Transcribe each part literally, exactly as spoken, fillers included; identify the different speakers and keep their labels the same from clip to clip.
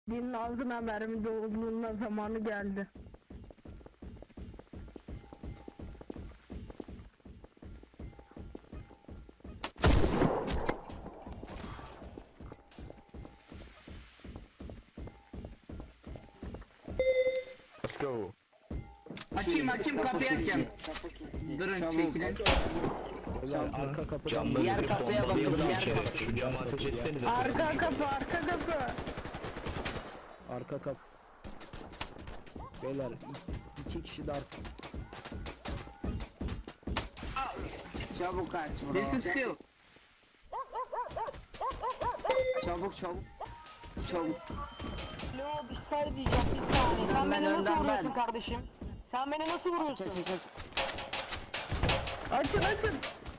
Speaker 1: Dinin ağzına mermi dolduğunda zamanı geldi.
Speaker 2: Let's go.
Speaker 3: Açayım açayım kapıyı açayım. Durun çekilin.
Speaker 2: Arka kapıdan
Speaker 4: Camları
Speaker 3: Diğer
Speaker 4: bir
Speaker 3: kapıya bakın,
Speaker 4: bombalayalım
Speaker 3: diğer
Speaker 4: içeri.
Speaker 3: kapı.
Speaker 4: Şu camı ateş etsenize.
Speaker 1: Arka kapı, arka kapı.
Speaker 2: arka kapı. Beyler iki kişi de arka.
Speaker 3: Çabuk aç bro. Çabuk çabuk. Çabuk.
Speaker 5: Alo bir şey diyeceğim bir saniye. Sen
Speaker 3: Ben
Speaker 5: beni nasıl
Speaker 3: önden
Speaker 5: vuruyorsun
Speaker 3: ben.
Speaker 5: kardeşim? Sen beni nasıl vuruyorsun?
Speaker 3: Çek çek çek.
Speaker 1: Açın açın.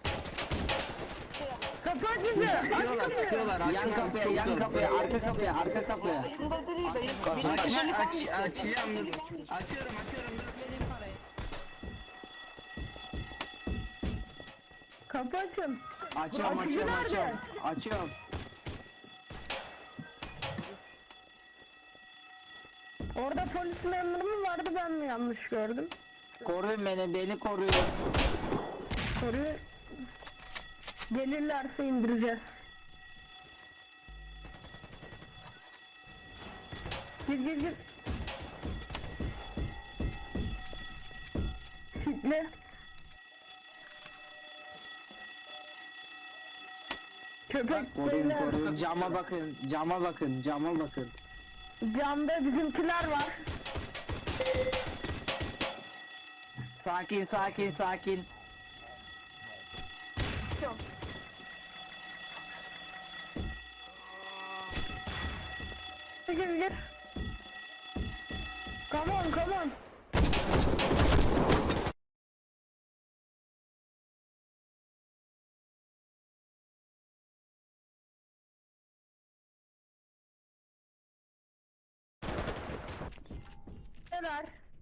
Speaker 1: Kapı açıldı. Aç
Speaker 3: Sıkıyorlar
Speaker 1: kapıyı.
Speaker 3: sıkıyorlar. Yan kapıya yan kapıya arka kapıya arka kapıya.
Speaker 5: Dayında değil dayı.
Speaker 3: Aç
Speaker 5: Benim
Speaker 3: aç
Speaker 5: güvenlik
Speaker 3: aç
Speaker 5: hangisi?
Speaker 3: açacağım dur. Açıyorum açıyorum dur.
Speaker 1: Kapı açın.
Speaker 3: Açıyorum
Speaker 1: Açıcı
Speaker 3: açıyorum
Speaker 1: nerede?
Speaker 3: açıyorum. Açıyorum.
Speaker 1: Orada polis memuru mu vardı, ben mi yanlış gördüm?
Speaker 3: Koruyun beni beni koruyun.
Speaker 1: Soruyu gelirlerse indireceğiz. Gir gir gir. Kitle. Köpek
Speaker 3: Koruyun
Speaker 1: beyler.
Speaker 3: koruyun. Cama bakın cama bakın cama bakın.
Speaker 1: Camda bizimkiler var.
Speaker 3: Sakin sakin sakin.
Speaker 1: Gir gir. Come on come on. Neler?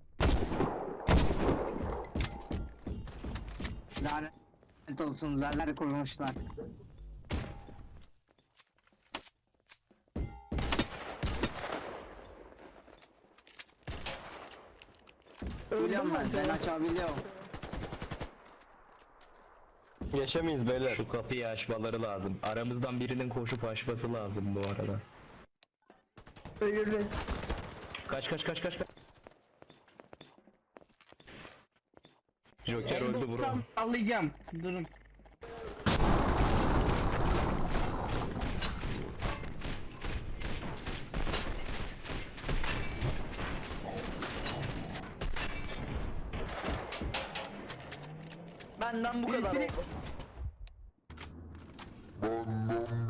Speaker 3: Lanet olsun zarar kurmuşlar. Biliyorum ben, ben açabiliyorum.
Speaker 4: Yaşamayız beyler. Şu kapıyı açmaları lazım. Aramızdan birinin koşup açması lazım bu arada.
Speaker 1: Ölürüz.
Speaker 4: Kaç kaç kaç kaç kaç. Joker öldü bro.
Speaker 3: Sallayacağım. Durun.
Speaker 2: Benden bu kadar oldu.
Speaker 3: Benden